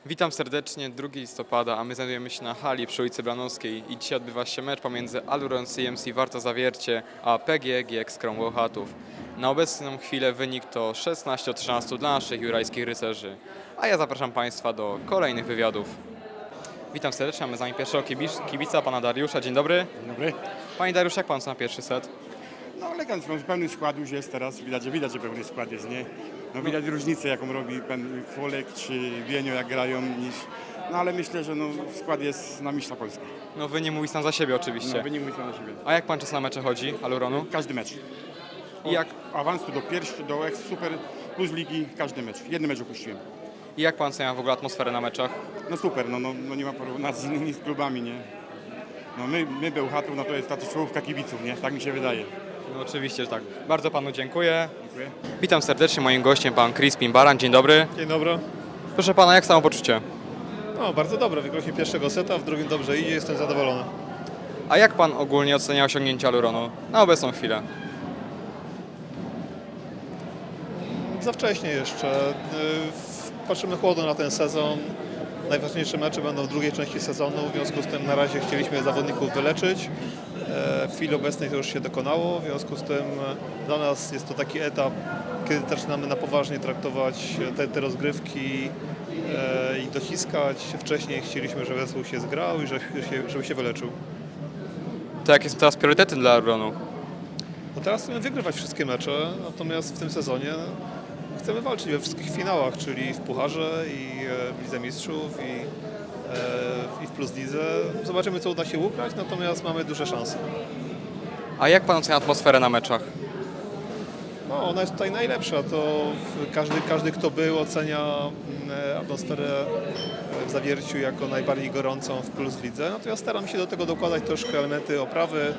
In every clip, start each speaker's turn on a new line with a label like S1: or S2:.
S1: Witam serdecznie, 2 listopada, a my znajdujemy się na hali przy ulicy Branowskiej i dzisiaj odbywa się mecz pomiędzy Aluron CMC Warta Zawiercie a PGE GX Krom Bełchatów. Na obecną chwilę wynik to 16-13 dla naszych jurajskich rycerzy, a ja zapraszam Państwa do kolejnych wywiadów. Witam serdecznie, mamy z nami pierwszego kibica, pana Dariusza. Dzień dobry.
S2: Dzień dobry.
S1: Panie Dariusz, jak pan na pierwszy set?
S2: No elegancko, pełny skład już jest teraz, widać, że pełny skład jest, nie? No widać różnicę, jaką robi pan Kwolek czy Wienio, jak grają, niż... No ale myślę, że no, skład jest na mistrza Polski.
S1: No wy nie mówi sam za siebie oczywiście.
S2: No, wynik myślę na siebie.
S1: A jak pan czas na mecze chodzi, Aluronu?
S2: Każdy mecz.
S1: I jak,
S2: Awans do pierwszy, do ex, super, plus ligi, każdy mecz. Jeden mecz opuściłem.
S1: I jak pan ocenia w ogóle atmosferę na meczach?
S2: No super, no nie ma porównania z innymi klubami, nie? No my Bełchatów, no to jest ta czołówka kibiców, nie? Tak mi się wydaje.
S1: No oczywiście, że tak. Bardzo panu dziękuję.
S2: Dziękuję.
S1: Witam serdecznie, moim gościem pan Crispin Baran. Dzień dobry.
S3: Dzień dobry.
S1: Proszę pana, jak samopoczucie?
S3: No, bardzo dobre. Wygraliśmy pierwszego seta, w drugim dobrze idzie, jestem zadowolony.
S1: A jak pan ogólnie ocenia osiągnięcia Aluronu na obecną chwilę?
S3: Za wcześnie jeszcze. Patrzymy chłodno na ten sezon. Najważniejsze mecze będą w drugiej części sezonu, w związku z tym na razie chcieliśmy zawodników wyleczyć. W chwili obecnej to już się dokonało, w związku z tym dla nas jest to taki etap, kiedy zaczynamy na poważnie traktować te rozgrywki i dociskać. Wcześniej chcieliśmy, żeby zespół się zgrał i żeby się wyleczył.
S1: To jakie są teraz priorytety dla Aluronu?
S3: No teraz chcemy wygrywać wszystkie mecze, natomiast w tym sezonie chcemy walczyć we wszystkich finałach, czyli w Pucharze i w Lidze Mistrzów i w Plus Lidze. Zobaczymy, co uda się ugrać, natomiast mamy duże szanse.
S1: A jak pan ocenia atmosferę na meczach?
S3: No, ona jest tutaj najlepsza, to każdy kto był, ocenia atmosferę w Zawierciu jako najbardziej gorącą w Plus Lidze, natomiast staram się do tego dokładać troszkę elementy oprawy.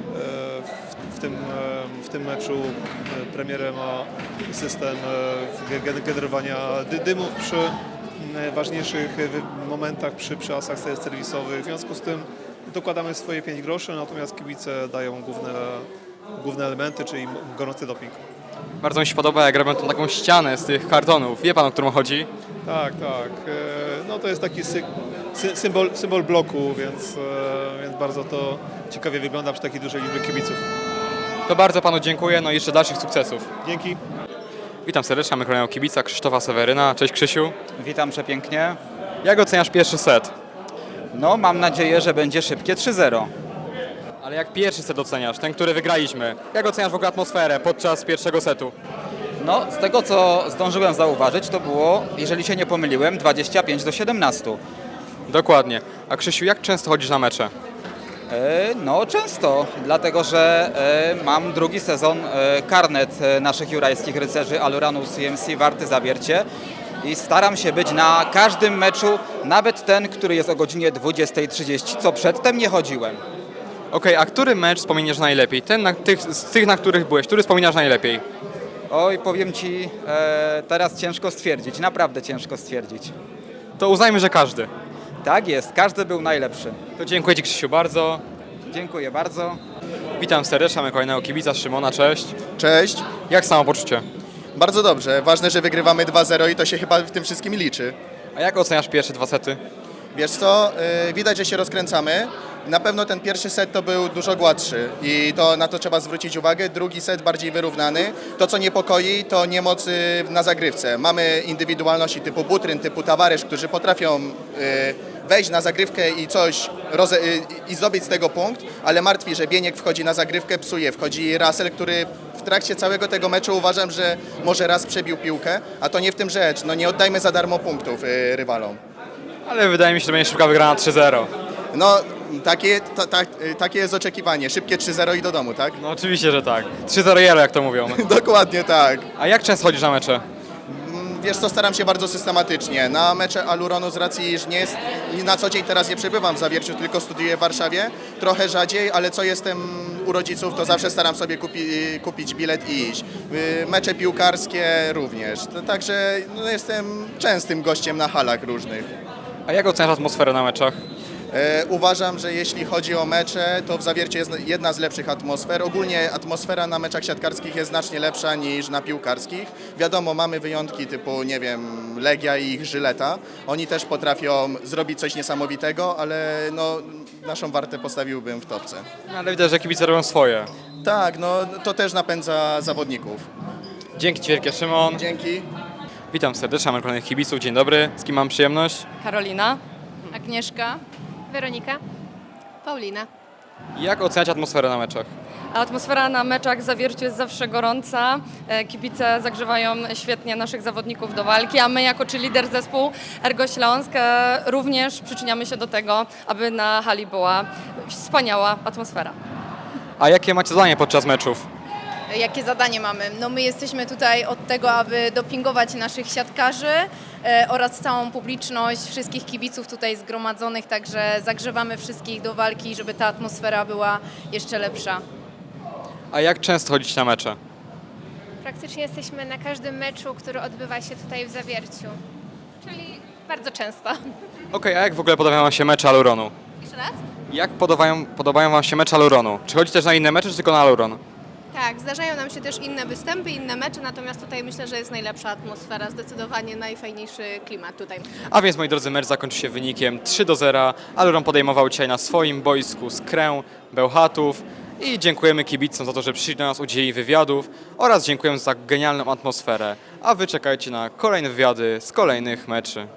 S3: W tym meczu Premiere ma system generowania dymów przy ważniejszych momentach, przy asach serwisowych. W związku z tym dokładamy swoje 5 groszy, natomiast kibice dają główne elementy, czyli gorący doping.
S1: Bardzo mi się podoba, jak robią tą taką ścianę z tych kartonów. Wie pan, o którą chodzi?
S3: Tak. No to jest taki symbol bloku, więc bardzo to ciekawie wygląda przy takiej dużej liczbie kibiców.
S1: To bardzo panu dziękuję, no i jeszcze dalszych sukcesów.
S3: Dzięki.
S1: Witam serdecznie, mamy kolejnego kibica Krzysztofa Seweryna. Cześć Krzysiu.
S4: Witam przepięknie.
S1: Jak oceniasz pierwszy set?
S4: No, mam nadzieję, że będzie szybkie 3-0.
S1: Ale jak pierwszy set oceniasz, ten, który wygraliśmy? Jak oceniasz w ogóle atmosferę podczas pierwszego setu?
S4: No, z tego co zdążyłem zauważyć, to było, jeżeli się nie pomyliłem, 25-17.
S1: Dokładnie. A Krzysiu, jak często chodzisz na mecze?
S4: No, często, dlatego że mam drugi sezon karnet naszych jurajskich rycerzy Aluronu CMC Warty Zawiercie i staram się być na każdym meczu, nawet ten, który jest o godzinie 20:30, co przedtem nie chodziłem.
S1: Okej, a który mecz wspominasz najlepiej? Z tych, na których byłeś, który wspominasz najlepiej?
S4: Oj, powiem Ci, teraz ciężko stwierdzić, naprawdę ciężko stwierdzić.
S1: To uznajmy, że każdy.
S4: Tak jest, każdy był najlepszy.
S1: To dziękuję Ci Krzysiu bardzo.
S4: Dziękuję bardzo.
S1: Witam serdecznie, mamy kolejnego kibica Szymona, cześć.
S5: Cześć.
S1: Jak samopoczucie?
S5: Bardzo dobrze. Ważne, że wygrywamy 2-0 i to się chyba w tym wszystkim liczy.
S1: A jak oceniasz pierwsze 2 sety?
S5: Wiesz co, widać, że się rozkręcamy. Na pewno ten pierwszy set to był dużo gładszy i na to trzeba zwrócić uwagę. Drugi set bardziej wyrównany. To, co niepokoi, to niemoc na zagrywce. Mamy indywidualności typu Butryn, typu Tawaresz, którzy potrafią wejść na zagrywkę i coś i zdobyć z tego punkt, ale martwi, że Bieniek wchodzi na zagrywkę, psuje. Wchodzi Russell, który w trakcie całego tego meczu uważam, że może raz przebił piłkę, a to nie w tym rzecz. No nie oddajmy za darmo punktów rywalom.
S1: Ale wydaje mi się, że będzie szybka wygrana 3-0.
S5: No, takie jest oczekiwanie. Szybkie 3-0 i do domu, tak?
S1: No oczywiście, że tak. 3-0 jelo, jak to mówią.
S5: Dokładnie tak.
S1: A jak często chodzisz na mecze?
S5: Wiesz co, staram się bardzo systematycznie. Na mecze Aluronu z racji, że na co dzień teraz nie przebywam w Zawierciu, tylko studiuję w Warszawie. Trochę rzadziej, ale co jestem u rodziców, to zawsze staram sobie kupić bilet i iść. Mecze piłkarskie również. Także no, jestem częstym gościem na halach różnych.
S1: A jak oceniasz atmosferę na meczach?
S5: Uważam, że jeśli chodzi o mecze, to w Zawierciu jest jedna z lepszych atmosfer. Ogólnie atmosfera na meczach siatkarskich jest znacznie lepsza niż na piłkarskich. Wiadomo, mamy wyjątki typu, nie wiem, Legia i ich Żyleta. Oni też potrafią zrobić coś niesamowitego, ale no, naszą Wartę postawiłbym w topce.
S1: No, ale widać, że kibice robią swoje.
S5: Tak, no to też napędza zawodników.
S1: Dzięki Ci wielkie, Szymon.
S5: Dzięki.
S1: Witam serdecznie, mamy kolejnych kibiców. Dzień dobry. Z kim mam przyjemność?
S6: Karolina.
S7: Agnieszka,
S8: Weronika,
S7: Paulina.
S1: Jak oceniać atmosferę na meczach?
S6: Atmosfera na meczach w Zawierciu jest zawsze gorąca. Kibice zagrzewają świetnie naszych zawodników do walki, a my jako lider zespół Ergo Śląsk również przyczyniamy się do tego, aby na hali była wspaniała atmosfera.
S1: A jakie macie zadanie podczas meczów?
S7: Jakie zadanie mamy? No my jesteśmy tutaj od tego, aby dopingować naszych siatkarzy oraz całą publiczność, wszystkich kibiców tutaj zgromadzonych, także zagrzewamy wszystkich do walki, żeby ta atmosfera była jeszcze lepsza.
S1: A jak często chodzicie na mecze?
S8: praktycznie jesteśmy na każdym meczu, który odbywa się tutaj w Zawierciu, czyli bardzo często.
S1: Okej, a jak w ogóle podobają Wam się mecze Aluronu?
S8: Jeszcze raz?
S1: Jak podobają Wam się mecze Aluronu? Czy chodzi też na inne mecze, czy tylko na Aluron?
S9: Tak, zdarzają nam się też inne występy, inne mecze, natomiast tutaj myślę, że jest najlepsza atmosfera, zdecydowanie najfajniejszy klimat tutaj.
S1: A więc, moi drodzy, mecz zakończył się wynikiem 3-0. Aluron podejmował dzisiaj na swoim boisku Skrę Bełchatów i dziękujemy kibicom za to, że przyszli do nas, udzielili wywiadów oraz dziękujemy za genialną atmosferę. A Wy czekajcie na kolejne wywiady z kolejnych meczy.